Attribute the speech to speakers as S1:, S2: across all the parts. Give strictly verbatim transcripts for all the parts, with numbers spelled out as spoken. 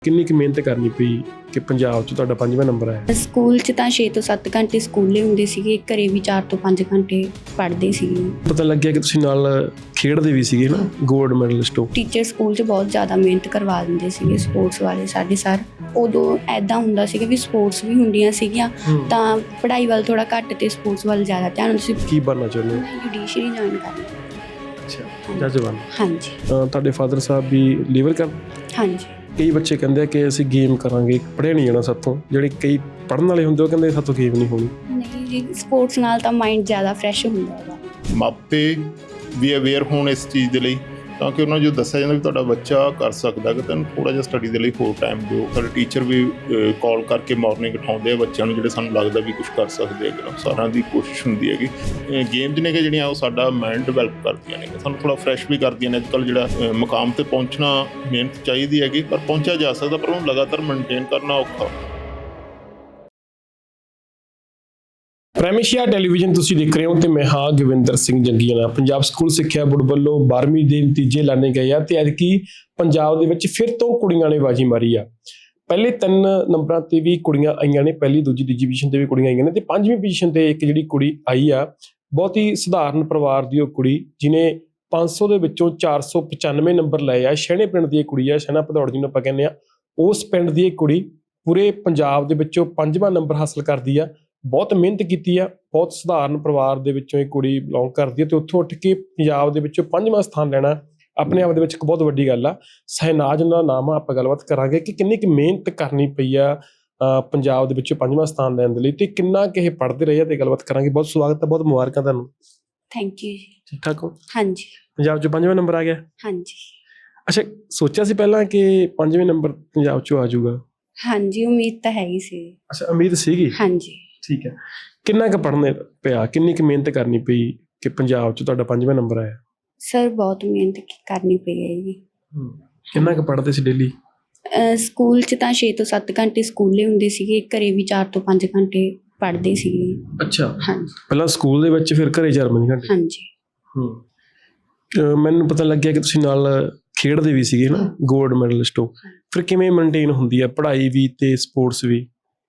S1: ਕਿੰਨੀ ਕੁ ਮਿਹਨਤ ਕਰਨੀ ਪਈ ਕਿ ਪੰਜਾਬ 'ਚ ਤੁਹਾਡਾ ਪੰਜਵਾਂ ਨੰਬਰ ਆਇਆ?
S2: ਸਕੂਲ 'ਚ ਤਾਂ ਛੇ ਤੋਂ ਸੱਤ ਘੰਟੇ ਸਕੂਲੇ ਹੁੰਦੇ ਸੀਗੇ, ਘਰੇ ਵੀ ਚਾਰ ਤੋਂ ਪੰਜ ਘੰਟੇ ਪੜ੍ਹਦੇ ਸੀਗੇ।
S1: ਪਤਾ ਲੱਗਿਆ ਕਿ ਤੁਸੀਂ ਨਾਲ ਖੇਡਦੇ ਵੀ ਸੀਗੇ ਨਾ, ਗੋਲਡ ਮੈਡਲਿਸਟ ਹੋ।
S2: ਟੀਚਰ ਸਕੂਲ 'ਚ ਬਹੁਤ ਜ਼ਿਆਦਾ ਮਿਹਨਤ ਕਰਵਾ ਦਿੰਦੇ ਸੀਗੇ ਸਪੋਰਟਸ ਵਾਲੇ ਸਾਡੇ ਸਰ। ਉਦੋਂ ਐਦਾਂ ਹੁੰਦਾ ਸੀਗਾ ਵੀ ਸਪੋਰਟਸ ਵੀ ਹੁੰਦੀਆਂ ਸੀਗੀਆਂ ਤਾਂ ਪੜ੍ਹਾਈ ਵੱਲ ਥੋੜਾ ਘੱਟ ਤੇ ਸਪੋਰਟਸ ਵੱਲ ਜ਼ਿਆਦਾ ਧਿਆਨ ਹੁੰਦਾ ਸੀ।
S1: ਕੀ ਬਣਨਾ ਚਾਹੁੰਦੇ ਹੋ?
S2: ਮੈਂ ਜੁਡੀਸ਼ਰੀ ਜੁਆਇਨ ਕਰਨੀ।
S1: ਅੱਛਾ, ਜੱਜ ਬਣ।
S2: ਹਾਂਜੀ।
S1: ਅਹ ਤੁਹਾਡੇ ਫਾਦਰ ਸਾਹਿਬ ਵੀ ਲੀਵਰ ਕਰ?
S2: ਹਾਂਜੀ।
S1: ਕਈ ਬੱਚੇ ਕਹਿੰਦੇ ਆ ਕਿ ਅਸੀਂ ਗੇਮ ਕਰਾਂਗੇ, ਪੜ੍ਹਿਆ ਨਹੀਂ ਜਾਣਾ ਸਾਥੋਂ। ਜਿਹੜੇ ਕਈ ਪੜ੍ਹਨ ਵਾਲੇ ਹੁੰਦੇ ਉਹ ਕਹਿੰਦੇ ਸਾਥੋਂ ਗੇਮ ਨਹੀਂ ਹੋਣੀ।
S2: ਨਹੀਂ ਜੀ, ਸਪੋਰਟਸ ਨਾਲ ਤਾਂ ਮਾਈਂਡ ਜ਼ਿਆਦਾ ਫਰੈਸ਼ ਹੁੰਦਾ ਹੈਗਾ।
S3: ਮਾਪੇ ਵੀ ਅਵੇਅਰ ਹੋਣ ਇਸ ਚੀਜ਼ ਦੇ ਲਈ, ਤਾਂ ਕਿ ਉਹਨਾਂ ਨੂੰ ਜੋ ਦੱਸਿਆ ਜਾਂਦਾ ਵੀ ਤੁਹਾਡਾ ਬੱਚਾ ਕਰ ਸਕਦਾ ਕਿ ਤੈਨੂੰ ਥੋੜ੍ਹਾ ਜਿਹਾ ਸਟੱਡੀ ਦੇ ਲਈ ਹੋਰ ਟਾਈਮ ਦਿਓ। ਸਾਡੇ ਟੀਚਰ ਵੀ ਕਾਲ ਕਰਕੇ ਮਾਰਨਿੰਗ ਉਠਾਉਂਦੇ ਆ ਬੱਚਿਆਂ ਨੂੰ, ਜਿਹੜੇ ਸਾਨੂੰ ਲੱਗਦਾ ਵੀ ਕੁਝ ਕਰ ਸਕਦੇ ਹੈਗੇ। ਸਾਰਿਆਂ ਦੀ ਕੋਸ਼ਿਸ਼ ਹੁੰਦੀ ਹੈਗੀ। ਗੇਮਜ਼ ਨੇ ਕਿ ਜਿਹੜੀਆਂ ਉਹ ਸਾਡਾ ਮਾਈਂਡ ਡਿਵੈਲਪ ਕਰਦੀਆਂ ਨੇ, ਸਾਨੂੰ ਥੋੜ੍ਹਾ ਫਰੈਸ਼ ਵੀ ਕਰਦੀਆਂ ਨੇ। ਅੱਜ ਕੱਲ੍ਹ ਜਿਹੜਾ ਮੁਕਾਮ 'ਤੇ ਪਹੁੰਚਣਾ ਮਿਹਨਤ ਚਾਹੀਦੀ ਹੈਗੀ, ਪਰ ਪਹੁੰਚਿਆ ਜਾ ਸਕਦਾ, ਪਰ ਉਹਨੂੰ ਲਗਾਤਾਰ ਮੇਨਟੇਨ ਕਰਨਾ ਔਖਾ।
S1: ਪ੍ਰਾਈਮ ਏਸ਼ੀਆ ਟੈਲੀਵਿਜ਼ਨ ਤੁਸੀਂ ਦੇਖ ਰਹੇ ਹੋ ਤੇ ਮੈਂ ਹਾਂ ਗਵਿੰਦਰ ਸਿੰਘ ਜੰਗੀਆਣਾ। ਪੰਜਾਬ ਸਕੂਲ ਸਿੱਖਿਆ ਬੋਰਡ ਵੱਲੋਂ ਬਾਰ੍ਹਵੀਂ ਦੇ ਨਤੀਜੇ ਐਲਾਨੇ ਗਏ ਆ ਤੇ ਐਤਕੀ ਪੰਜਾਬ ਦੇ ਵਿੱਚ ਫਿਰ ਤੋਂ ਕੁੜੀਆਂ ਨੇ ਬਾਜੀ ਮਾਰੀ ਆ। ਪਹਿਲੇ ਤਿੰਨ ਨੰਬਰਾਂ ਤੇ ਵੀ ਕੁੜੀਆਂ ਆਈਆਂ ਨੇ, ਪਹਿਲੀ ਦੂਜੀ ਤੀਜੀ ਪੋਜੀਸ਼ਨ ਤੇ ਵੀ ਕੁੜੀਆਂ ਆਈਆਂ ਨੇ ਤੇ ਪੰਜਵੀਂ ਪੋਜੀਸ਼ਨ ਤੇ ਇੱਕ ਜਿਹੜੀ ਕੁੜੀ ਆਈ ਆ, ਬਹੁਤ ਹੀ ਸਧਾਰਨ ਪਰਿਵਾਰ ਦੀ ਉਹ ਕੁੜੀ ਜਿਹਨੇ ਪੰਜ ਸੌ ਦੇ ਵਿੱਚੋਂ ਚਾਰ ਸੌ ਪਚਾਨਵੇਂ ਨੰਬਰ ਲਏ ਆ। ਸ਼ਹਿਣੇ ਪਿੰਡ ਦੀ ਇਹ ਕੁੜੀ ਆ, ਸ਼ਹਿਣਾ ਭਦੌੜ ਜਿਹਨੂੰ ਆਪਾਂ ਕਹਿੰਦੇ ਆ। ਉਸ ਪਿੰਡ ਦੀ ਇਹ ਕੁੜੀ ਪੂਰੇ ਪੰਜਾਬ ਦੇ ਵਿੱਚੋਂ ਪੰਜਵਾਂ ਨੰਬਰ ਹਾਸਲ ਕਰਦੀ ਆ। ਬਹੁਤ ਮਿਹਨਤ ਕੀਤੀ ਆ, ਬਹੁਤ ਸਧਾਰਨ ਪਰਿਵਾਰ ਦੇ ਵਿੱਚੋਂ ਇਹ ਕੁੜੀ ਬਿਲੋਂਗ ਕਰਦੀ ਹੈ ਤੇ ਉੱਥੋਂ ਉੱਠ ਕੇ ਪੰਜਾਬ ਦੇ ਵਿੱਚੋਂ ਪੰਜਵਾਂ ਸਥਾਨ ਲੈਣਾ ਆਪਣੇ ਆਪ ਦੇ ਵਿੱਚ ਇੱਕ ਬਹੁਤ ਵੱਡੀ ਗੱਲ ਆ। ਸਹਿਨਾਜ ਦਾ ਨਾਮ ਆ। ਆਪਾਂ ਗੱਲਬਾਤ ਕਰਾਂਗੇ ਕਿ ਕਿੰਨੀ ਕੁ ਮਿਹਨਤ ਕਰਨੀ ਪਈ ਆ ਪੰਜਾਬ ਦੇ ਵਿੱਚੋਂ ਪੰਜਵਾਂ ਸਥਾਨ ਲੈਣ ਦੇ ਲਈ ਤੇ ਕਿੰਨਾ ਕੁ ਇਹ ਪੜ੍ਹਦੇ ਰਹੇ ਆ ਤੇ ਗੱਲਬਾਤ ਕਰਾਂਗੇ। ਬਹੁਤ ਸਵਾਗਤ ਹੈ, ਬਹੁਤ ਮੁਬਾਰਕਾਂ ਤੁਹਾਨੂੰ।
S2: ਥੈਂਕ ਯੂ ਜੀ।
S1: ਠੀਕ ਠਾਕ ਹੋ?
S2: ਹਾਂਜੀ।
S1: ਪੰਜਾਬ 'ਚ ਪੰਜਵਾਂ ਨੰਬਰ ਆ ਗਿਆ?
S2: ਹਾਂਜੀ।
S1: ਅੱਛਾ, ਸੋਚਿਆ ਸੀ ਪਹਿਲਾਂ ਕਿ ਪੰਜਵੇਂ ਨੰਬਰ ਪੰਜਾਬ 'ਚੋਂ ਆ ਜਾਊਗਾ?
S2: ਹਾਂਜੀ, ਉਮੀਦ ਤਾਂ ਹੈਗੀ ਸੀ।
S1: ਅੱਛਾ, ਉਮੀਦ ਸੀਗੀ?
S2: ਹਾਂਜੀ।
S1: ਠੀਕ ਹੈ। ਕਿੰਨਾ ਕੁ ਪੜ੍ਹਨੇ ਪਿਆ, ਕਿੰਨੀ ਕੁ ਮਿਹਨਤ ਕਰਨੀ ਪਈ ਕਿ ਪੰਜਾਬ 'ਚ ਤੁਹਾਡਾ ਪੰਜਵਾਂ ਨੰਬਰ ਆਇਆ?
S2: ਸਰ ਬਹੁਤ ਮਿਹਨਤ ਕਰਨੀ ਪਈ ਹੈ ਜੀ।
S1: ਕਿੰਨਾ ਕੁ ਪੜ੍ਹਦੇ ਸੀ ਡੇਲੀ?
S2: ਸਕੂਲ 'ਚ ਤਾਂ ਛੇ ਤੋਂ ਸੱਤ ਘੰਟੇ ਸਕੂਲੇ ਹੁੰਦੇ ਸੀਗੇ, ਘਰੇ ਵੀ ਚਾਰ ਤੋਂ ਪੰਜ ਘੰਟੇ ਪੜ੍ਹਦੇ ਸੀਗੇ।
S1: ਅੱਛਾ।
S2: ਹਾਂਜੀ।
S1: ਪਹਿਲਾਂ ਸਕੂਲ ਦੇ ਵਿੱਚ, ਫਿਰ ਘਰੇ ਚਾਰ ਪੰਜ ਘੰਟੇ?
S2: ਹਾਂਜੀ।
S1: ਹੂੰ। ਮੈਨੂੰ ਪਤਾ ਲੱਗਿਆ ਕਿ ਤੁਸੀਂ ਨਾਲ ਖੇਡਦੇ ਵੀ ਸੀਗੇ ਨਾ, ਗੋਲਡ ਮੈਡਲਿਸਟ ਹੋ। ਫਿਰ ਕਿਵੇਂ ਮੇਨਟੇਨ ਹੁੰਦੀ ਆ ਪੜ੍ਹਾਈ ਵੀ ਤੇ ਸਪੋਰਟਸ ਵੀ?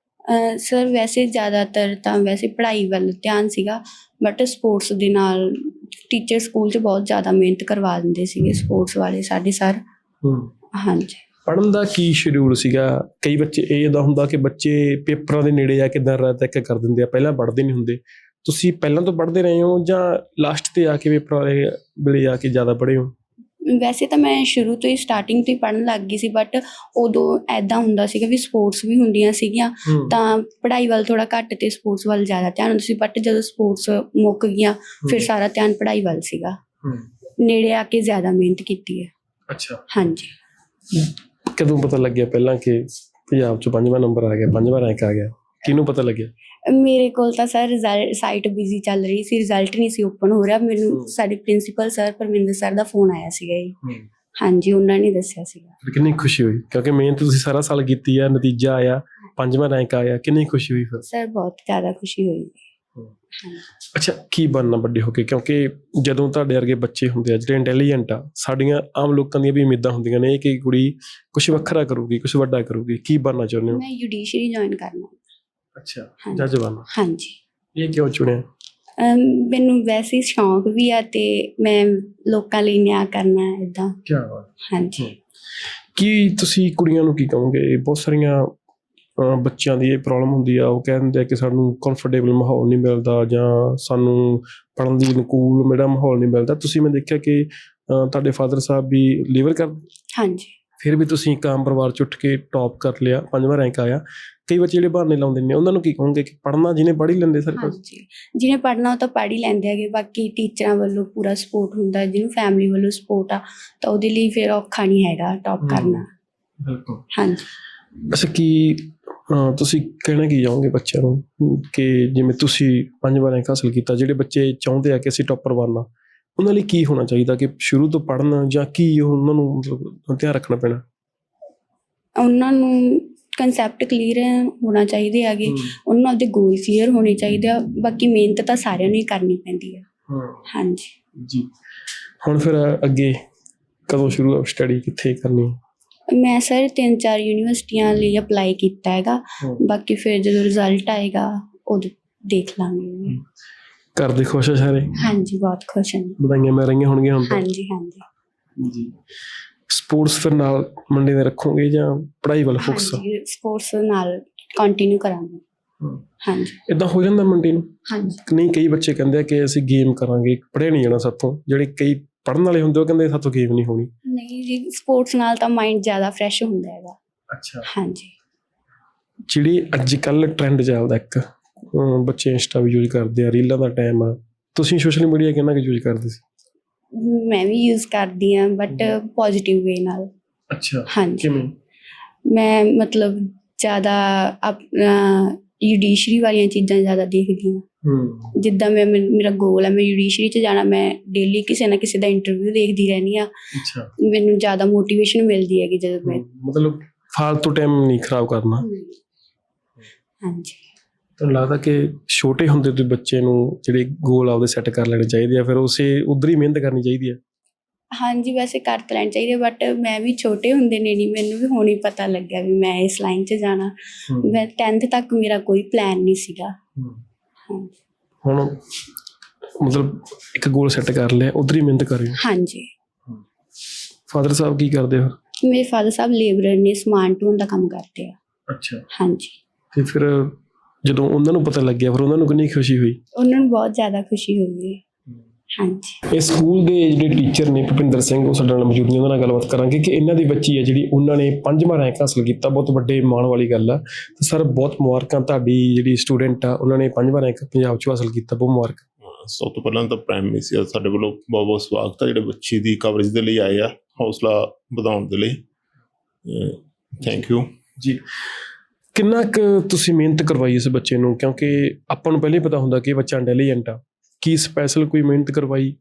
S2: ਸਰ ਵੈਸੇ ਜ਼ਿਆਦਾਤਰ ਤਾਂ ਵੈਸੇ ਪੜ੍ਹਾਈ ਵੱਲ ਧਿਆਨ ਸੀਗਾ, ਬਟ ਸਪੋਰਟਸ ਦੇ ਨਾਲ ਟੀਚਰ ਸਕੂਲ 'ਚ ਬਹੁਤ ਜ਼ਿਆਦਾ ਮਿਹਨਤ ਕਰਵਾ ਦਿੰਦੇ ਸੀਗੇ ਸਪੋਰਟਸ ਵਾਲੇ ਸਾਡੇ ਸਰ। ਹਾਂਜੀ।
S1: ਪੜ੍ਹਨ ਦਾ ਕੀ ਸ਼ਡਿਊਲ ਸੀਗਾ? ਕਈ ਬੱਚੇ ਇਹ ਦਾ ਹੁੰਦਾ ਕਿ ਬੱਚੇ ਪੇਪਰਾਂ ਦੇ ਨੇੜੇ ਜਾ ਕੇ ਦਿਨ ਰਾਤ ਇੱਕ ਕਰ ਦਿੰਦੇ ਆ, ਪਹਿਲਾਂ ਪੜ੍ਹਦੇ ਨਹੀਂ ਹੁੰਦੇ। ਤੁਸੀਂ ਪਹਿਲਾਂ ਤੋਂ ਪੜ੍ਹਦੇ ਰਹੇ ਹੋ ਜਾਂ ਲਾਸਟ ਤੇ ਆ ਕੇ ਪੇਪਰਾਂ ਵਾਲੇ ਵੇਲੇ ਆ ਕੇ ਜ਼ਿਆਦਾ ਪੜ੍ਹੇ ਹੋ?
S2: ਵੈਸੇ ਤਾਂ ਮੈਂ ਸ਼ੁਰੂ ਤੋਂ ਹੀ ਸਟਾਰਟਿੰਗ ਤੋਂ ਹੀ ਪੜ੍ਹਨ ਲੱਗ ਗਈ ਸੀ, ਬਟ ਉਦੋਂ ਐਦਾਂ ਹੁੰਦਾ ਸੀਗਾ ਵੀ ਸਪੋਰਟਸ ਵੀ ਹੁੰਦੀਆਂ ਸੀਗੀਆਂ ਤਾਂ ਪੜ੍ਹਾਈ ਵੱਲ ਥੋੜਾ ਘੱਟ ਤੇ ਸਪੋਰਟਸ ਵੱਲ ਜ਼ਿਆਦਾ ਧਿਆਨ ਹੁੰਦਾ ਸੀ। ਬਟ ਜਦੋਂ ਸਪੋਰਟਸ ਮੁੱਕ ਗਈਆਂ ਫਿਰ ਸਾਰਾ ਧਿਆਨ ਪੜ੍ਹਾਈ ਵੱਲ ਸੀਗਾ। ਨੇੜੇ ਆ ਕੇ ਜ਼ਿਆਦਾ ਮਿਹਨਤ ਕੀਤੀ ਹੈ। ਅੱਛਾ। ਹਾਂਜੀ।
S1: ਕਦੋਂ ਪਤਾ ਲੱਗਿਆ ਪਹਿਲਾਂ ਕਿ ਪੰਜਾਬ 'ਚ ਪੰਜਵਾਂ ਨੰਬਰ ਆ ਗਿਆ, ਪੰਜਵਾਂ ਰੈਂਕ ਆ ਗਿਆ? ਕਿਹਨੂੰ ਪਤਾ ਲੱਗਿਆ?
S2: ਮੇਰੇ ਕੋਲ ਤਾਂ ਸਰ ਰਿਜ਼ਲਟ ਸਾਈਟ ਬਿਜ਼ੀ ਚੱਲ ਰਹੀ ਸੀ, ਰਿਜ਼ਲਟ ਨਹੀਂ ਸੀ ਓਪਨ ਹੋ ਰਿਹਾ। ਮੈਨੂੰ ਸਾਡੇ ਪ੍ਰਿੰਸੀਪਲ ਸਰ ਪਰਮਿੰਦਰ ਸਰ ਦਾ ਫੋਨ ਆਇਆ ਸੀਗਾ ਜੀ। ਹਾਂਜੀ, ਉਹਨਾਂ ਨੇ ਦੱਸਿਆ ਸੀਗਾ।
S1: ਕਿੰਨੀ ਖੁਸ਼ੀ ਹੋਈ ਕਿਉਂਕਿ ਮਿਹਨਤ ਤੁਸੀਂ ਸਾਰਾ ਸਾਲ ਕੀਤੀ ਆ, ਨਤੀਜਾ ਆਇਆ, ਪੰਜਵਾਂ ਰੈਂਕ ਆਇਆ, ਕਿੰਨੀ ਖੁਸ਼ੀ ਹੋਈ ਫਿਰ?
S2: ਸਰ ਬਹੁਤ ਜ਼ਿਆਦਾ ਖੁਸ਼ੀ ਹੋਈ।
S1: ਅੱਛਾ, ਕੀ ਬਣਨਾ ਵੱਡੇ ਹੋ ਕੇ? ਕਿਉਂਕਿ ਜਦੋਂ ਤੁਹਾਡੇ ਵਰਗੇ ਬੱਚੇ ਹੁੰਦੇ ਆ ਜਿਹੜੇ ਇੰਟੈਲੀਜੈਂਟ ਆ, ਸਾਡੀਆਂ ਆਮ ਲੋਕਾਂ ਦੀਆਂ ਵੀ ਉਮੀਦਾਂ ਹੁੰਦੀਆਂ ਨੇ ਕਿ ਕੁੜੀ ਕੁਛ ਵੱਖਰਾ ਕਰੂਗੀ, ਕੁਛ ਵੱਡਾ ਕਰੂਗੀ। ਕੀ ਬਣਨਾ ਚਾਹੁੰਦੇ ਹੋ?
S2: ਮੈਂ ਜੁਡੀਸ਼ਰੀ ਜੁਆਇਨ ਕਰਨਾ।
S1: ਅੱਛਾ, ਜੱਜ ਬਣਨਾ।
S2: ਹਾਂਜੀ।
S1: ਇਹ ਕਿਉਂ ਚੁਣਿਆ?
S2: ਮੈਨੂੰ ਵੈਸੇ ਸ਼ੌਂਕ ਵੀ ਆ ਤੇ ਮੈਂ ਲੋਕਾਂ ਲਈ ਨਿਆਂ ਕਰਨਾ ਏਦਾਂ।
S1: ਕੀ ਬਾਤ।
S2: ਹਾਂਜੀ।
S1: ਕੀ ਤੁਸੀਂ ਕੁੜੀਆਂ ਨੂੰ ਕੀ ਕਹੋਗੇ? ਬਹੁਤ ਸਾਰੀਆਂ ਬੱਚਿਆਂ ਦੀ ਇਹ ਪ੍ਰੋਬਲਮ ਹੁੰਦੀ ਆ, ਉਹ ਕਹਿੰਦੇ ਆ ਕਿ ਸਾਨੂੰ ਕੰਫਰਟੇਬਲ ਮਾਹੌਲ ਨਹੀਂ ਮਿਲਦਾ ਜਾਂ ਸਾਨੂੰ ਪੜ੍ਹਨ ਦੀ ਅਨੁਕੂਲ ਮੇਰਾ ਮਾਹੌਲ ਨਹੀਂ ਮਿਲਦਾ। ਤੁਸੀਂ ਮੈਂ ਦੇਖਿਆ ਕਿ ਤੁਹਾਡੇ ਫਾਦਰ ਸਾਹਿਬ ਵੀ ਲੀਵਰ ਕਰ? ਹਾਂਜੀ। ਫਿਰ ਵੀ ਤੁਸੀਂ ਇੱਕ ਆਮ ਪਰਿਵਾਰ 'ਚ ਉੱਠ ਕੇ ਟੌਪ ਕਰ ਲਿਆ, ਪੰਜਵਾਂ ਰੈਂਕ ਆਇਆ। ਕਈ ਬੱਚੇ ਜਿਹੜੇ ਬਹਾਨੇ ਲਾਉਂਦੇ ਨੇ, ਉਹਨਾਂ ਨੂੰ ਕੀ ਕਹੋਗੇ ਕਿ ਪੜ੍ਹਨਾ ਜਿਹਨੇ ਪੜ੍ਹ ਹੀ ਲੈਂਦੇ ਸਰ?
S2: ਹਾਂਜੀ, ਜਿਹਨੇ ਪੜ੍ਹਨਾ ਉਹ ਤਾਂ ਪੜ੍ਹ ਹੀ ਲੈਂਦੇ ਹੈਗੇ। ਬਾਕੀ ਟੀਚਰਾਂ ਵੱਲੋਂ ਪੂਰਾ ਸਪੋਰਟ ਹੁੰਦਾ, ਜਿਹਨੂੰ ਫੈਮਿਲੀ ਵੱਲੋਂ ਸਪੋਰਟ ਆ ਤਾਂ ਉਹਦੇ ਲਈ ਫਿਰ ਔਖਾ ਨਹੀਂ ਹੈਗਾ ਟੌਪ ਕਰਨਾ।
S1: ਬਿਲਕੁਲ।
S2: ਹਾਂਜੀ।
S1: ਅੱਛਾ, ਕੀ ਤੁਸੀਂ ਕਹਿਣਾ ਕੀ ਚਾਹੋਗੇ ਬੱਚਿਆਂ ਨੂੰ ਕਿ ਜਿਵੇਂ ਤੁਸੀਂ ਪੰਜਵਾਂ ਰੈਂਕ ਹਾਸਲ ਕੀਤਾ, ਜਿਹੜੇ ਬੱਚੇ ਚਾਹੁੰਦੇ ਆ ਕਿ ਅਸੀਂ ਟੌਪਰ ਬਣਨਾ, ਉਹਨਾਂ ਲਈ ਕੀ ਹੋਣਾ ਚਾਹੀਦਾ? ਕਿ ਸ਼ੁਰੂ ਤੋਂ ਪੜ੍ਹਨਾ ਜਾਂ ਕੀ ਉਹਨਾਂ ਨੂੰ ਮਤਲਬ ਧਿਆਨ ਰੱਖਣਾ ਪੈਣਾ? ਉਹਨਾਂ
S2: ਨੂੰ ਕਨਸੈਪਟ ਕਲੀਅਰ ਹੋਣਾ ਚਾਹੀਦੇ ਹੈਗੇ, ਉਹਨਾਂ ਨੂੰ ਆਪਦੇ ਗੋਲ ਕਲੀਅਰ ਹੋਣੇ ਚਾਹੀਦੇ ਆ। ਬਾਕੀ ਮਿਹਨਤ ਤਾਂ ਸਾਰਿਆਂ ਨੂੰ ਹੀ ਕਰਨੀ ਪੈਂਦੀ ਹੈ। ਹਾਂਜੀ।
S1: ਜੀ। ਹੁਣ ਫਿਰ ਅੱਗੇ ਕਦੋਂ ਸ਼ੁਰੂ ਸਟੱਡੀ ਕਿੱਥੇ ਕਰਨੀ?
S2: ਮੈਂ ਸਰ ਤਿੰਨ ਚਾਰ ਯੂਨੀਵਰਸਿਟੀਆਂ ਲਈ ਅਪਲਾਈ ਕੀਤਾ ਹੈਗਾ, ਬਾਕੀ ਫਿਰ ਜਦੋਂ ਰਿਜ਼ਲਟ ਆਏਗਾ ਉਦੋਂ ਦੇਖ ਲਾਂਗੇ।
S1: ਘਰ ਦੇ ਖੁਸ਼ ਆ ਸਾਰੇ?
S2: ਹਾਂਜੀ ਬਹੁਤ ਖੁਸ਼ ਹਾਂ।
S1: ਵਧਾਈਆਂ ਮਿਲ ਰਹੀਆਂ ਹੋਣਗੀਆਂ ਹੁਣ ਤਾਂ?
S2: ਹਾਂਜੀ ਹਾਂਜੀ
S1: ਜੀ। ਸਪੋਰਟਸ ਫਿਰ ਨਾਲ ਮੰਡੇ ਦੇ ਰੱਖੋਗੇ ਜਾਂ ਪੜ੍ਹਾਈ ਵੱਲ ਫੋਕਸ?
S2: ਸਪੋਰਟਸ ਨਾਲ ਕੰਟੀਨਿਊ ਕਰਾਂਗੇ। ਹਾਂਜੀ
S1: ਇਦਾਂ ਹੋ ਜਾਂਦਾ ਮੰਡੇ ਨੂੰ?
S2: ਹਾਂਜੀ
S1: ਨਹੀਂ, ਕਈ ਬੱਚੇ ਕਹਿੰਦੇ ਆ ਕਿ ਅਸੀਂ ਗੇਮ ਕਰਾਂਗੇ, ਪੜ੍ਹਿਆ ਨਹੀਂ ਜਾਣਾ ਸਾਥੋਂ। ਜਿਹੜੇ ਕਈ ਪੜ੍ਹਨ ਵਾਲੇ ਹੁੰਦੇ ਉਹ ਕਹਿੰਦੇ ਸਾਥੋਂ ਗੇਮ ਨਹੀਂ ਹੋਣੀ।
S2: ਨਹੀਂ ਜੀ, ਸਪੋਰਟਸ ਨਾਲ ਤਾਂ ਮਾਈਂਡ ਜ਼ਿਆਦਾ ਫਰੈਸ਼ ਹੁੰਦਾ ਹੈਗਾ।
S1: ਅੱਛਾ।
S2: ਹਾਂਜੀ
S1: ਜਿਹੜੀ ਅੱਜ ਕੱਲ੍ਹ ਟ੍ਰੈਂਡ ਚੱਲਦਾ ਇੱਕ, ਅਮ ਬੱਚੇ ਇੰਸਟਾ ਵੀ ਯੂਜ਼ ਕਰਦੇ ਆ, ਰੀਲਾਂ ਦਾ ਟਾਈਮ ਆ, ਤੁਸੀਂ ਸੋਸ਼ਲ ਮੀਡੀਆ ਕਿੰਨਾ ਕੁ ਯੂਜ਼ ਕਰਦੇ ਸੀ?
S2: ਮੈਂ ਵੀ ਯੂਜ਼ ਕਰਦੀ ਹਾਂ ਬਟ ਪੋਜ਼ਿਟਿਵ ਵੇ ਨਾਲ।
S1: ਅੱਛਾ,
S2: ਹਾਂਜੀ
S1: ਕਿਵੇਂ?
S2: ਮੈਂ ਮਤਲਬ ਜ਼ਿਆਦਾ ਆਪਣਾ ਜੁਡੀਸ਼ਰੀ ਵਾਲੀਆਂ ਚੀਜ਼ਾਂ ਜ਼ਿਆਦਾ ਦੇਖਦੀ ਹਾਂ।
S1: ਹੂੰ।
S2: ਜਿੱਦਾਂ ਮੈਂ ਮੈਨ- ਮੇਰਾ ਗੋਲ ਹੈ ਮੈਂ ਜੁਡੀਸ਼ਰੀ 'ਚ ਜਾਣਾ, ਮੈਂ ਡੇਲੀ ਕਿਸੇ ਨਾ ਕਿਸੇ ਦਾ ਇੰਟਰਵਿਊ ਦੇਖਦੀ ਰਹਿੰਦੀ ਹਾਂ।
S1: ਅੱਛਾ।
S2: ਮੈਨੂੰ ਜ਼ਿਆਦਾ ਮੋਟੀਵੇਸ਼ਨ ਮਿਲਦੀ ਹੈਗੀ ਜਦੋਂ ਮੈਂ।
S1: ਮਤਲਬ ਫਾਲਤੂ ਟਾਈਮ ਨਹੀਂ ਖਰਾਬ ਕਰਨਾ।
S2: ਹਾਂਜੀ
S1: ਤੁਹਾਨੂੰ ਲੱਗਦਾ ਕਿ ਛੋਟੇ ਹੁੰਦੇ ਤੋਂ ਬੱਚੇ ਨੂੰ ਜਿਹੜੇ ਗੋਲ ਆਪਦੇ ਸੈੱਟ ਕਰ ਲੈਣੇ ਚਾਹੀਦੇ ਆ, ਫਿਰ ਉਸੇ ਉਧਰ ਹੀ ਮਿਹਨਤ ਕਰਨੀ ਚਾਹੀਦੀ ਹੈ?
S2: ਹਾਂਜੀ ਵੈਸੇ ਕਰ ਤਾਂ ਲੈਣਾ ਚਾਹੀਦਾ, ਬਟ ਮੈਂ ਵੀ ਛੋਟੇ ਹੁੰਦੇ ਨੇ ਨਹੀਂ, ਮੈਨੂੰ ਵੀ ਹੁਣ ਹੀ ਪਤਾ ਲੱਗਿਆ ਵੀ ਮੈਂ ਇਸ ਲਾਈਨ 'ਚ ਜਾਣਾ। ਮੈਂ ਟੈਂਥ ਤੱਕ ਮੇਰਾ ਕੋਈ ਪਲਾਨ ਨਹੀਂ ਸੀਗਾ। ਹਾਂਜੀ
S1: ਹੁਣ ਮਤਲਬ ਇੱਕ ਗੋਲ ਸੈੱਟ ਕਰ ਲਿਆ, ਉਧਰ ਹੀ ਮਿਹਨਤ ਕਰ ਰਹੇ ਹੋ?
S2: ਹਾਂਜੀ।
S1: ਫਾਦਰ ਸਾਹਿਬ ਕੀ ਕਰਦੇ ਹੋ?
S2: ਮੇਰੇ ਫਾਦਰ ਸਾਹਿਬ ਲੇਬਰਰ ਨੇ, ਸਮਾਨ ਢੋਣ ਦਾ ਕੰਮ ਕਰਦੇ ਆ।
S1: ਅੱਛਾ।
S2: ਹਾਂਜੀ।
S1: ਤੇ ਫਿਰ ਜਦੋਂ ਉਹਨਾਂ ਨੂੰ ਪਤਾ ਲੱਗਿਆ ਫਿਰ ਉਹਨਾਂ ਨੂੰ ਕਿੰਨੀ ਖੁਸ਼ੀ ਹੋਈ?
S2: ਉਹਨਾਂ ਨੂੰ ਬਹੁਤ ਜ਼ਿਆਦਾ ਖੁਸ਼ੀ ਹੋਈ ਹੈ। ਹਾਂਜੀ।
S1: ਇਹ ਸਕੂਲ ਦੇ ਜਿਹੜੇ ਟੀਚਰ ਨੇ ਭੁਪਿੰਦਰ ਸਿੰਘ, ਉਹ ਸਾਡੇ ਨਾਲ ਮੌਜੂਦ ਨੇ, ਉਹਨਾਂ ਨਾਲ ਗੱਲਬਾਤ ਕਰਾਂਗੇ ਕਿ ਇਹਨਾਂ ਦੀ ਬੱਚੀ ਹੈ ਜਿਹੜੀ ਉਹਨਾਂ ਨੇ ਪੰਜਵਾਂ ਰੈਂਕ ਹਾਸਲ ਕੀਤਾ। ਬਹੁਤ ਵੱਡੇ ਮਾਣ ਵਾਲੀ ਗੱਲ ਆ। ਤੇ ਸਰ ਬਹੁਤ ਮੁਬਾਰਕਾਂ, ਤੁਹਾਡੀ ਜਿਹੜੀ ਸਟੂਡੈਂਟ ਆ ਉਹਨਾਂ ਨੇ ਪੰਜਵਾਂ ਰੈਂਕ ਪੰਜਾਬ 'ਚ ਹਾਸਲ ਕੀਤਾ, ਬਹੁਤ ਮੁਬਾਰਕ।
S3: ਸਭ ਤੋਂ ਪਹਿਲਾਂ ਤਾਂ ਪ੍ਰਾਈਮ ਮਿਨਿਸਟਰ ਸਾਡੇ ਵੱਲੋਂ ਬਹੁਤ ਬਹੁਤ ਸਵਾਗਤ ਹੈ, ਜਿਹੜੇ ਬੱਚੇ ਦੀ ਕਵਰੇਜ ਦੇ ਲਈ ਆਏ ਆ, ਹੌਸਲਾ ਵਧਾਉਣ ਦੇ ਲਈ। ਥੈਂਕ ਯੂ
S1: ਜੀ। ਕਿੰਨਾ ਕੁ ਤੁਸੀਂ ਮਿਹਨਤ ਕਰਵਾਈ ਇਸ ਬੱਚੇ ਨੂੰ, ਕਿਉਂਕਿ ਆਪਾਂ ਨੂੰ ਪਹਿਲਾਂ ਹੀ ਪਤਾ ਹੁੰਦਾ ਕਿ ਇਹ ਬੱਚਾ ਇੰਟੈਲੀਜੈਂਟ ਆ, ਕੀ ਸਪੈਸ਼ਲ ਕੋਈ ਮਿਹਨਤ ਕਰਵਾਈ?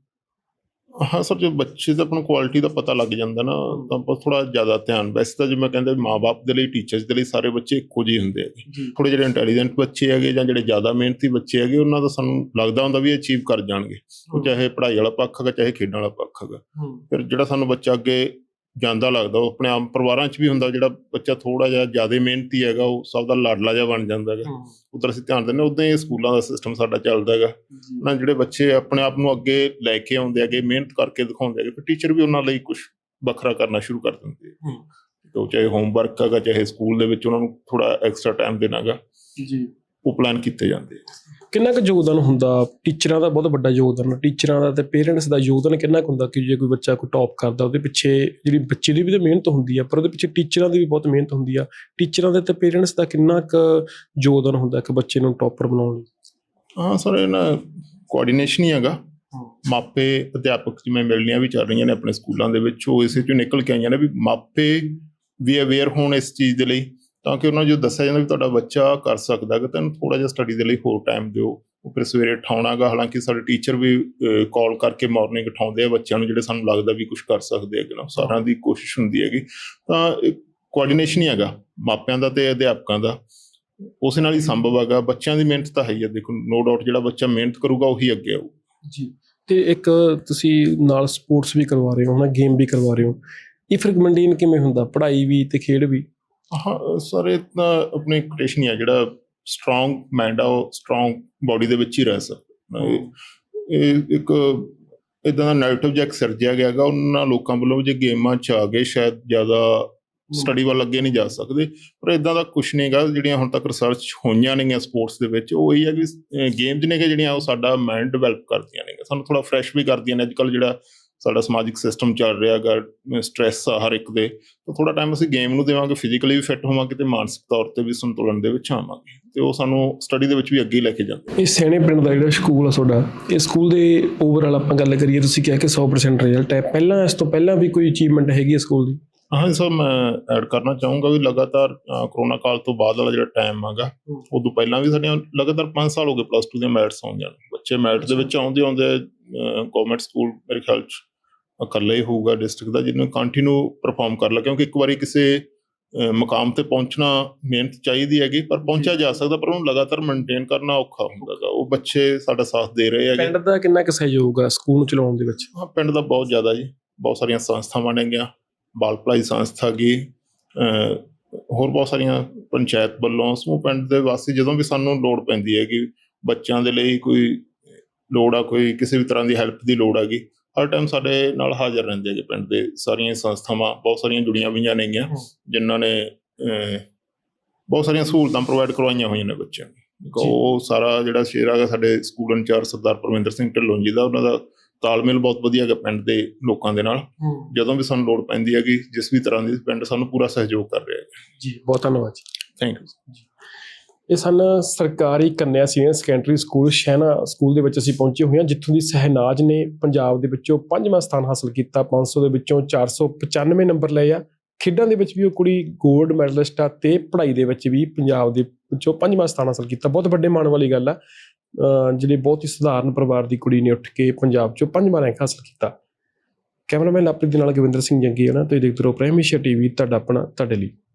S3: ਹਾਂ ਸਰ, ਜੋ ਬੱਚੇ ਦਾ ਆਪਾਂ ਨੂੰ ਕੁਆਲਿਟੀ ਦਾ ਪਤਾ ਲੱਗ ਜਾਂਦਾ ਨਾ, ਤਾਂ ਆਪਾਂ ਥੋੜ੍ਹਾ ਜ਼ਿਆਦਾ ਧਿਆਨ, ਵੈਸੇ ਤਾਂ ਜਿਵੇਂ ਕਹਿੰਦੇ ਮਾਂ ਬਾਪ ਦੇ ਲਈ, ਟੀਚਰਸ ਦੇ ਲਈ ਸਾਰੇ ਬੱਚੇ ਇੱਕੋ ਜਿਹੇ ਹੁੰਦੇ ਹੈਗੇ। ਥੋੜ੍ਹੇ ਜਿਹੜੇ ਇੰਟੈਲੀਜੈਂਟ ਬੱਚੇ ਹੈਗੇ ਜਾਂ ਜਿਹੜੇ ਜ਼ਿਆਦਾ ਮਿਹਨਤੀ ਬੱਚੇ ਹੈਗੇ, ਉਹਨਾਂ ਦਾ ਸਾਨੂੰ ਲੱਗਦਾ ਹੁੰਦਾ ਵੀ ਅਚੀਵ ਕਰ ਜਾਣਗੇ, ਉਹ ਚਾਹੇ ਪੜ੍ਹਾਈ ਵਾਲਾ ਪੱਖ ਹੈਗਾ ਚਾਹੇ ਖੇਡਾਂ ਵਾਲਾ ਪੱਖ ਹੈਗਾ। ਫਿਰ ਜਿਹੜਾ ਸਾਨੂੰ ਬੱਚਾ ਅੱਗੇ ਜਾਂਦਾ ਲੱਗਦਾ, ਉਹ ਆਪਣੇ ਆਪ ਪਰਿਵਾਰਾਂ 'ਚ ਵੀ ਹੁੰਦਾ, ਜਿਹੜਾ ਬੱਚਾ ਥੋੜ੍ਹਾ ਜਿਹਾ ਜ਼ਿਆਦਾ ਮਿਹਨਤੀ ਹੈਗਾ ਉਹ ਸਭ ਦਾ ਲਾਡਲਾ ਜਿਹਾ ਬਣ ਜਾਂਦਾ ਹੈਗਾ। ਉੱਧਰ ਅਸੀਂ ਧਿਆਨ ਦਿੰਦੇ, ਉੱਦਾਂ ਹੀ ਸਕੂਲਾਂ ਦਾ ਸਿਸਟਮ ਸਾਡਾ ਚੱਲਦਾ ਹੈਗਾ ਨਾ। ਜਿਹੜੇ ਬੱਚੇ ਆਪਣੇ ਆਪ ਨੂੰ ਅੱਗੇ ਲੈ ਕੇ ਆਉਂਦੇ ਹੈਗੇ, ਮਿਹਨਤ ਕਰਕੇ ਦਿਖਾਉਂਦੇ ਹੈਗੇ, ਫਿਰ ਟੀਚਰ ਵੀ ਉਹਨਾਂ ਲਈ ਕੁਛ ਵੱਖਰਾ ਕਰਨਾ ਸ਼ੁਰੂ ਕਰ ਦਿੰਦੇ ਹੈ। ਉਹ ਚਾਹੇ ਹੋਮਵਰਕ ਹੈਗਾ, ਚਾਹੇ ਸਕੂਲ ਦੇ ਵਿੱਚ ਉਹਨਾਂ ਨੂੰ ਥੋੜ੍ਹਾ ਐਕਸਟਰਾ ਟਾਈਮ ਦੇਣਾ ਹੈਗਾ, ਉਹ ਪਲਾਨ ਕੀਤੇ ਜਾਂਦੇ ਆ।
S1: ਕਿੰਨਾ ਕੁ ਯੋਗਦਾਨ ਹੁੰਦਾ ਟੀਚਰਾਂ ਦਾ? ਬਹੁਤ ਵੱਡਾ ਯੋਗਦਾਨ ਟੀਚਰਾਂ ਦਾ ਤੇ ਪੇਰੈਂਟਸ ਦਾ ਯੋਗਦਾਨ ਕਿੰਨਾ ਕੁ ਹੁੰਦਾ ਕਿ ਜੇ ਕੋਈ ਬੱਚਾ ਕੋਈ ਟੌਪ ਕਰਦਾ, ਉਹਦੇ ਪਿੱਛੇ ਜਿਹੜੀ ਬੱਚੇ ਦੀ ਵੀ ਤਾਂ ਮਿਹਨਤ ਹੁੰਦੀ ਆ, ਪਰ ਉਹਦੇ ਪਿੱਛੇ ਟੀਚਰਾਂ ਦੀ ਵੀ ਬਹੁਤ ਮਿਹਨਤ ਹੁੰਦੀ ਆ। ਟੀਚਰਾਂ ਦੇ ਤੇ ਪੇਰੈਂਟਸ ਦਾ ਕਿੰਨਾ ਕੁ ਯੋਗਦਾਨ ਹੁੰਦਾ ਇੱਕ ਬੱਚੇ ਨੂੰ ਟੌਪਰ ਬਣਾਉਣ ਲਈ?
S3: ਹਾਂ ਸਰ, ਇਹ ਨਾ ਕੋਆਰਡੀਨੇਸ਼ਨ ਹੀ ਹੈਗਾ। ਮਾਪੇ ਅਧਿਆਪਕ ਜਿਵੇਂ ਮਿਲਣੀਆਂ ਵੀ ਚੱਲ ਰਹੀਆਂ ਨੇ ਆਪਣੇ ਸਕੂਲਾਂ ਦੇ ਵਿੱਚ, ਉਹ ਇਸੇ 'ਚੋਂ ਨਿਕਲ ਕੇ ਆਈਆਂ ਨੇ ਵੀ ਮਾਪੇ ਵੀ ਅਵੇਅਰ ਹੋਣ ਇਸ ਚੀਜ਼ ਦੇ ਲਈ, ਤਾਂ ਕਿ ਉਹਨਾਂ ਨੂੰ ਜੋ ਦੱਸਿਆ ਜਾਂਦਾ ਵੀ ਤੁਹਾਡਾ ਬੱਚਾ ਕਰ ਸਕਦਾ ਹੈਗਾ, ਤੈਨੂੰ ਥੋੜ੍ਹਾ ਜਿਹਾ ਸਟੱਡੀ ਦੇ ਲਈ ਹੋਰ ਟਾਈਮ ਦਿਓ। ਉਹ ਫਿਰ ਸਵੇਰੇ ਉਠਾਉਣਾ ਗਾ, ਹਾਲਾਂਕਿ ਸਾਡੇ ਟੀਚਰ ਵੀ ਕਾਲ ਕਰਕੇ ਮਾਰਨਿੰਗ ਉਠਾਉਂਦੇ ਆ ਬੱਚਿਆਂ ਨੂੰ, ਜਿਹੜੇ ਸਾਨੂੰ ਲੱਗਦਾ ਵੀ ਕੁਛ ਕਰ ਸਕਦੇ ਹੈਗੇ ਨਾ। ਸਾਰਿਆਂ ਦੀ ਕੋਸ਼ਿਸ਼ ਹੁੰਦੀ ਹੈਗੀ, ਤਾਂ ਕੋਆਰਡੀਨੇਸ਼ਨ ਹੀ ਹੈਗਾ ਮਾਪਿਆਂ ਦਾ ਤੇ ਅਧਿਆਪਕਾਂ ਦਾ, ਉਸੇ ਨਾਲ ਹੀ ਸੰਭਵ ਹੈਗਾ। ਬੱਚਿਆਂ ਦੀ ਮਿਹਨਤ ਤਾਂ ਹੈ ਹੀ ਆ, ਦੇਖੋ ਨੋ ਡਾਊਟ, ਜਿਹੜਾ ਬੱਚਾ ਮਿਹਨਤ ਕਰੂਗਾ ਉਹੀ ਅੱਗੇ ਆਊ
S1: ਜੀ। ਤੇ ਇੱਕ ਤੁਸੀਂ ਨਾਲ ਸਪੋਰਟਸ ਵੀ ਕਰਵਾ ਰਹੇ ਹੋ, ਹੈ ਨਾ, ਗੇਮ ਵੀ ਕਰਵਾ ਰਹੇ ਹੋ, ਇਹ ਫਿਰ ਮੇਨਟੇਨ ਕਿਵੇਂ ਹੁੰਦਾ, ਪੜ੍ਹਾਈ ਵੀ ਤੇ ਖੇਡ ਵੀ?
S3: ਹਾਂ ਸਰ, ਇਹ ਤਾਂ ਆਪਣੀ ਕ੍ਰਿਏਸ਼ਨ ਹੀ ਆ, ਜਿਹੜਾ ਸਟਰੋਂਗ ਮਾਈਂਡ ਆ ਉਹ ਸਟਰੋਂਗ ਬਾਡੀ ਦੇ ਵਿੱਚ ਹੀ ਰਹਿ ਸਕਦਾ। ਇਹ ਇੱਕ ਇੱਦਾਂ ਦਾ ਨੈਗੇਟਿਵ ਜਿਹਾ ਸਿਰਜਿਆ ਗਿਆ ਹੈਗਾ ਉਹਨਾਂ ਲੋਕਾਂ ਵੱਲੋਂ, ਜੇ ਗੇਮਾਂ 'ਚ ਆ ਗਏ ਸ਼ਾਇਦ ਜ਼ਿਆਦਾ ਸਟੱਡੀ ਵੱਲ ਅੱਗੇ ਨਹੀਂ ਜਾ ਸਕਦੇ, ਪਰ ਇੱਦਾਂ ਦਾ ਕੁਛ ਨਹੀਂ ਹੈਗਾ। ਜਿਹੜੀਆਂ ਹੁਣ ਤੱਕ ਰਿਸਰਚ ਹੋਈਆਂ ਨੇਗੀਆਂ ਸਪੋਰਟਸ ਦੇ ਵਿੱਚ, ਉਹ ਇਹ ਹੈ ਕਿ ਗੇਮਜ਼ ਨੇ ਜਿਹੜੀਆਂ ਉਹ ਸਾਡਾ ਮਾਈਂਡ ਡਿਵੈਲਪ ਕਰਦੀਆਂ ਨੇ, ਸਾਨੂੰ ਥੋੜ੍ਹਾ ਫਰੈਸ਼ ਵੀ ਕਰਦੀਆਂ ਨੇ। ਅੱਜ ਕੱਲ੍ਹ ਜਿਹੜਾ ਸਾਡਾ ਸਮਾਜਿਕ ਸਿਸਟਮ ਚੱਲ ਰਿਹਾ ਹੈਗਾ, ਸਟਰੈਸ ਆ ਹਰ ਇੱਕ ਦੇ, ਤਾਂ ਥੋੜ੍ਹਾ ਟਾਈਮ ਅਸੀਂ ਗੇਮ ਨੂੰ ਦੇਵਾਂਗੇ, ਫਿਜ਼ੀਕਲੀ ਵੀ ਫਿੱਟ ਹੋਵਾਂਗੇ ਤੇ ਮਾਨਸਿਕ ਤੌਰ 'ਤੇ ਵੀ ਸੰਤੁਲਨ ਦੇ ਵਿੱਚ ਆਵਾਂਗੇ, ਤੇ ਉਹ ਸਾਨੂੰ ਸਟੱਡੀ ਦੇ ਵਿੱਚ ਵੀ ਅੱਗੇ ਲੈ ਕੇ ਜਾਂਦੇ।
S1: ਇਹ ਸੈਣੇ ਪਿੰਡ ਦਾ ਜਿਹੜਾ ਸਕੂਲ ਆ ਤੁਹਾਡਾ, ਇਹ ਸਕੂਲ ਦੇ ਓਵਰਆਲ ਆਪਾਂ ਗੱਲ ਕਰੀਏ, ਤੁਸੀਂ ਕਿਹਾ ਕਿ ਸੌ ਪਰਸੈਂਟ ਰਿਜ਼ਲਟ ਹੈ, ਪਹਿਲਾਂ ਇਸ ਤੋਂ ਪਹਿਲਾਂ ਵੀ ਕੋਈ ਅਚੀਵਮੈਂਟ ਹੈਗੀ ਹੈ ਸਕੂਲ ਦੀ?
S3: ਹਾਂ ਸਰ, ਮੈਂ ਐਡ ਕਰਨਾ ਚਾਹੂੰਗਾ ਵੀ ਲਗਾਤਾਰ ਕਰੋਨਾ ਕਾਲ ਤੋਂ ਬਾਅਦ ਵਾਲਾ ਜਿਹੜਾ ਟਾਈਮ ਹੈਗਾ, ਉਦੋਂ ਪਹਿਲਾਂ ਵੀ ਸਾਡੀਆਂ ਲਗਾਤਾਰ ਪੰਜ ਸਾਲ ਹੋ ਗਏ ਪਲੱਸ ਟੂ ਦੀਆਂ ਮੈਰਿਟਸ ਆਉਂਦੀਆਂ ਨੇ। ਬੱਚੇ ਮੈਰਿਟ ਦੇ ਵਿੱਚ ਆਉਂਦੇ ਆਉਂਦੇ ਗੌਰਮੈਂਟ ਸਕੂਲ ਮੇਰੇ ਖਿਆਲ 'ਚ ਇਕੱਲਾ ਹੀ ਹੋਊਗਾ ਡਿਸਟ੍ਰਿਕਟ ਦਾ ਜਿਹਨੂੰ ਕੰਟੀਨਿਊ ਪਰਫਾਰਮ ਕਰ ਲਿਆ, ਕਿਉਂਕਿ ਇੱਕ ਵਾਰੀ ਕਿਸੇ ਮੁਕਾਮ ਤੇ ਪਹੁੰਚਣਾ ਮਿਹਨਤ ਚਾਹੀਦੀ ਹੈਗੀ, ਪਰ ਪਹੁੰਚਿਆ ਜਾ ਸਕਦਾ, ਪਰ ਉਹਨੂੰ ਲਗਾਤਾਰ ਮੇਨਟੇਨ ਕਰਨਾ ਔਖਾ ਹੁੰਦਾ ਗਾ। ਉਹ ਬੱਚੇ ਸਾਡਾ ਸਾਥ ਦੇ ਰਹੇ ਹੈਗੇ।
S1: ਪਿੰਡ ਦਾ ਕਿੰਨਾ ਕੁ ਸਹਿਯੋਗ ਆ ਸਕੂਲ ਨੂੰ ਚਲਾਉਣ ਦੇ ਵਿੱਚ?
S3: ਹਾਂ, ਪਿੰਡ ਦਾ ਬਹੁਤ ਜ਼ਿਆਦਾ ਜੀ, ਬਹੁਤ ਸਾਰੀਆਂ ਸੰਸਥਾਵਾਂ ਨੇਗੀਆਂ, ਬਾਲ ਭਲਾਈ ਸੰਸਥਾ ਗਈ, ਅਹ ਹੋਰ ਬਹੁਤ ਸਾਰੀਆਂ ਪੰਚਾਇਤ ਵੱਲੋਂ ਸਮੂਹ ਪਿੰਡ ਦੇ ਵਾਸੀ ਜਦੋਂ ਵੀ ਸਾਨੂੰ ਲੋੜ ਪੈਂਦੀ ਹੈ ਕਿ ਬੱਚਿਆਂ ਦੇ ਲਈ ਕੋਈ ਲੋੜ ਆ, ਕੋਈ ਕਿਸੇ ਵੀ ਤਰ੍ਹਾਂ ਦੀ ਹੈਲਪ ਦੀ ਲੋੜ ਹੈਗੀ, ਹਰ ਟਾਈਮ ਸਾਡੇ ਨਾਲ ਹਾਜ਼ਰ ਰਹਿੰਦੇ ਹੈਗੇ। ਪਿੰਡ ਦੇ ਸਾਰੀਆਂ ਸੰਸਥਾਵਾਂ ਬਹੁਤ ਸਾਰੀਆਂ ਜੁੜੀਆਂ ਹੋਈਆਂ ਨੇਗੀਆਂ ਜਿਨ੍ਹਾਂ ਨੇ ਅਹ ਬਹੁਤ ਸਾਰੀਆਂ ਸਹੂਲਤਾਂ ਪ੍ਰੋਵਾਈਡ ਕਰਵਾਈਆਂ ਹੋਈਆਂ ਨੇ ਬੱਚਿਆਂ ਨੂੰ। ਉਹ ਸਾਰਾ ਜਿਹੜਾ ਸ਼ੇਰ ਹੈਗਾ ਸਾਡੇ ਸਕੂਲ ਇੰਚਾਰਜ ਸਰਦਾਰ ਪਰਮਿੰਦਰ ਸਿੰਘ ਢਿੱਲੋਂ ਜੀ ਦਾ, ਉਹਨਾਂ ਦਾ ਤਾਲਮੇਲ ਬਹੁਤ ਵਧੀਆ ਹੈਗਾ ਪਿੰਡ ਦੇ ਲੋਕਾਂ ਦੇ ਨਾਲ। ਜਦੋਂ ਵੀ ਸਾਨੂੰ ਲੋੜ ਪੈਂਦੀ ਹੈਗੀ ਜਿਸ ਵੀ ਤਰ੍ਹਾਂ ਦੀ, ਪਿੰਡ ਸਾਨੂੰ ਪੂਰਾ ਸਹਿਯੋਗ ਕਰ ਰਿਹਾ ਹੈ
S1: ਜੀ। ਬਹੁਤ ਧੰਨਵਾਦ ਜੀ।
S3: ਥੈਂਕ ਯੂ
S1: ਜੀ। ਇਹ ਸਨ ਸਰਕਾਰੀ ਕੰਨਿਆ senior secondary school Shehna school ਦੇ ਵਿੱਚ ਅਸੀਂ ਪਹੁੰਚੇ ਹੋਏ ਹਾਂ, ਜਿੱਥੋਂ ਦੀ ਸਹਿਨਾਜ ਨੇ ਪੰਜਾਬ ਦੇ ਵਿੱਚੋਂ ਪੰਜਵਾਂ ਸਥਾਨ ਹਾਸਲ ਕੀਤਾ। ਪੰਜ ਸੌ ਦੇ ਵਿੱਚੋਂ ਚਾਰ ਸੌ ਪਚਾਨਵੇਂ ਨੰਬਰ ਲਏ ਆ। ਖੇਡਾਂ ਦੇ ਵਿੱਚ ਵੀ ਉਹ ਕੁੜੀ ਗੋਲਡ ਮੈਡਲਿਸਟ ਆ ਤੇ ਪੜ੍ਹਾਈ ਦੇ ਵਿੱਚ ਵੀ ਪੰਜਾਬ ਦੇ ਵਿੱਚੋਂ ਪੰਜਵਾਂ ਸਥਾਨ ਹਾਸਲ ਕੀਤਾ। ਬਹੁਤ ਵੱਡੇ ਮਾਣ ਵਾਲੀ ਗੱਲ ਆ। ਅਹ ਜਿਹੜੀ ਬਹੁਤ ਹੀ ਸਧਾਰਨ ਪਰਿਵਾਰ ਦੀ ਕੁੜੀ ਨੇ ਉੱਠ ਕੇ ਪੰਜਾਬ 'ਚੋਂ ਪੰਜਵਾਂ ਰੈਂਕ ਹਾਸਲ ਕੀਤਾ। ਕੈਮਰਾਮੈਨ ਲਵਪ੍ਰੀਤ ਦੇ ਨਾਲ ਗਵਿੰਦਰ ਸਿੰਘ ਜੰਗੀ ਹੈ ਨਾ। ਤੁਸੀਂ ਦੇਖਦੇ ਰਹੋ ਪ੍ਰਾਈਮ ਏਸ਼ੀਆ ਟੀਵੀ, ਤੁਹਾਡਾ ਆਪਣਾ ਤੁਹਾਡੇ ਲਈ।